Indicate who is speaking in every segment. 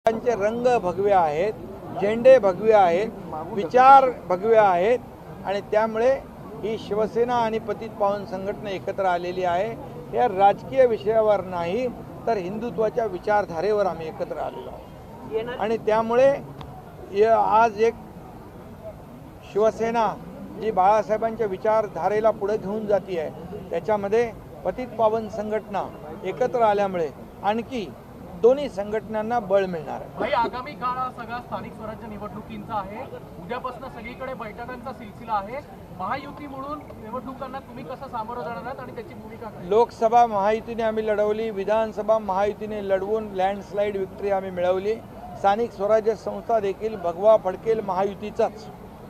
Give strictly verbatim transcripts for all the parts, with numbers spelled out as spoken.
Speaker 1: त्यांचे रंग भगवे आहेत, झेंडे भगवे आहेत, विचार भगवे आहेत आणि त्यामुळे ही शिवसेना आणि पतित पावन संघटना एकत्र आलेली आहे। या राजकीय विषयावर नाही तर हिंदुत्वाच्या विचारधारेवर आम्ही एकत्र आलेलो आहोत आणि त्यामुळे आज एक शिवसेना जी बाळासाहेबांच्या विचारधारेला पुढे घेऊन जाती आहे त्याच्यामध्ये पतित पावन संघटना एकत्र आल्यामुळे आणखी दोन्ही संघटनांना बळ मिळणार आहे।
Speaker 2: भाई आगामी काळ हा सगळा स्थानिक स्वराज्य निवडणुकींचा आहे। उद्यापासून सगळीकडे बैठकांचा सिलसिला आहे। महायुती म्हणून निवडणुकांना तुम्ही कसं सामोरं जाणार आहात आणि त्याची भूमिका काय?
Speaker 1: लोकसभा महायुतीने आम्ही लढवली, विधानसभा महायुतीने लढवून लँडस्लाइड विक्ट्री आम्ही मिळवली। स्थानिक स्वराज्य संस्था देखील भगवा फडकेल महायुतीचाच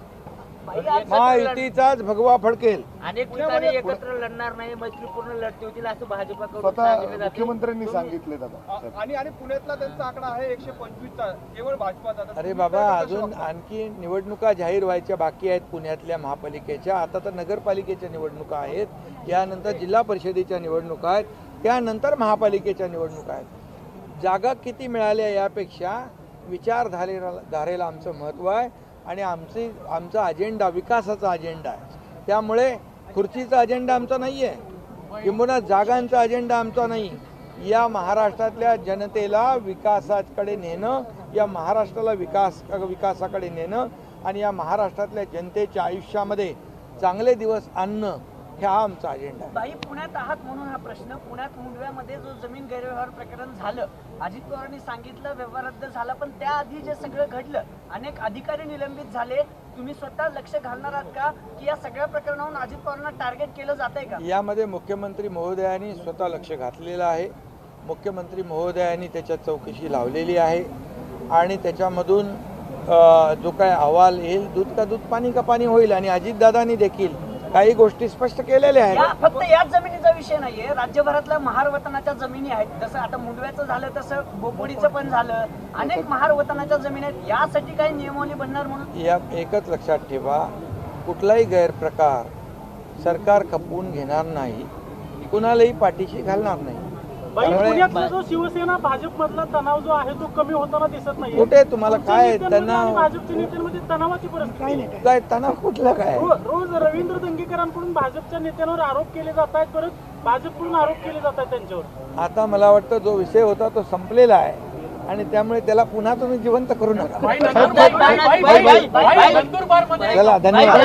Speaker 1: महायुतीचाच भगवा फडकेल।
Speaker 3: अनेक ठिकाणी एकत्र लढणार नाही, मैत्रीपूर्ण लढती होतील असं भाजपकडून
Speaker 4: स्वतः मुख्यमंत्र्यांनी सांगितले दादा।
Speaker 2: आणि आणि पुण्यातला त्यांचा आकडा आहे एकशे पंचवीस चा केवळ भाजपाचा।
Speaker 1: अरे बाबा, अजून आणखी निवडणुका जाहीर व्हायच्या बाकी आहेत पुण्यातल्या महापालिकेच्या। आता तर नगरपालिकेच्या निवडणुका आहेत, यानंतर जिल्हा परिषदेच्या निवडणुका आहेत, त्यानंतर महापालिकेच्या निवडणुका आहेत। जागा किती मिळाल्या यापेक्षा विचारधारेला धारेला आमचं महत्त्व आहे आणि आमची आमचा अजेंडा विकासाचा अजेंडा आहे। त्यामुळे खुर्चीचा अजेंडा आमचा नाही आहे, किंबहुना जागांचा अजेंडा आमचा नाही। या महाराष्ट्रातल्या जनतेला विकासाकडे नेणं, या महाराष्ट्राला विकास विकासाकडे नेणं आणि या महाराष्ट्रातल्या जनतेच्या आयुष्यामध्ये चांगले दिवस आणणं हा आमचा अजेंडा आहे।
Speaker 3: बाई पुण्यात आहात म्हणून हा प्रश्न। पुण्यात मुंडव्यामध्ये जो जमीन गैरव्यवहार प्रकरण झालं, अजित पवारांनी सांगितलं व्यवहार रद्द झाला, पण त्याआधी जे सगळं घडलं, अनेक अधिकारी निलंबित झाले, तुम्ही स्वतः लक्ष घालणार आहात का की या सगळ्या प्रकरणावरून अजित पवारांना टार्गेट केलं जात आहे का? यामध्ये
Speaker 1: मुख्यमंत्री महोदयांनी स्वतः लक्ष घातलेलं आहे। मुख्यमंत्री महोदयांनी त्याच्यात चौकशी लावलेली आहे आणि त्याच्यामधून जो काय अहवाल येईल, दूध का दूध पाणी का पाणी होईल। आणि अजितदादांनी देखील काही गोष्टी स्पष्ट केलेल्या आहेत।
Speaker 3: फक्त याच जमिनीचा विषय नाहीये, राज्यभरातल्या महार वतनाच्या जमिनी आहेत। जसं आता मुंडव्याचं झालं तसं बोपोडीचं पण झालं, अनेक महार वतनाच्या जमिनी आहेत। यासाठी काही नियमावली बनणार म्हणून
Speaker 1: या एकच लक्षात ठेवा, कुठलाही गैरप्रकार सरकार खपवून घेणार नाही, कुणालाही पाठीशी घालणार नाही।
Speaker 2: पुण्यातला जो शिवसेना भाजप मधला तणाव जो आहे तो कमी होताना दिसत नाही।
Speaker 1: कुठे तुम्हाला काय तणाव?
Speaker 2: भाजपच्या नेत्यांमध्ये तणावाची परिस्थिती
Speaker 1: काय तणाव कुठला काय?
Speaker 2: रोज रवींद्र दंगेकरांकडून भाजपच्या नेत्यांवर आरोप केले जात आहेत, परत भाजपकडून आरोप केले जात आहेत त्यांच्यावर।
Speaker 1: आता मला वाटतं जो विषय होता तो संपलेला आहे आणि त्यामुळे त्याला पुन्हा तुम्ही जिवंत करू नका। चला, धन्यवाद।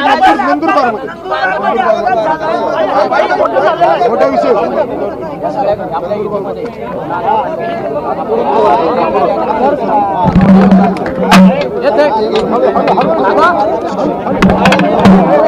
Speaker 4: मोठा विषय
Speaker 3: येते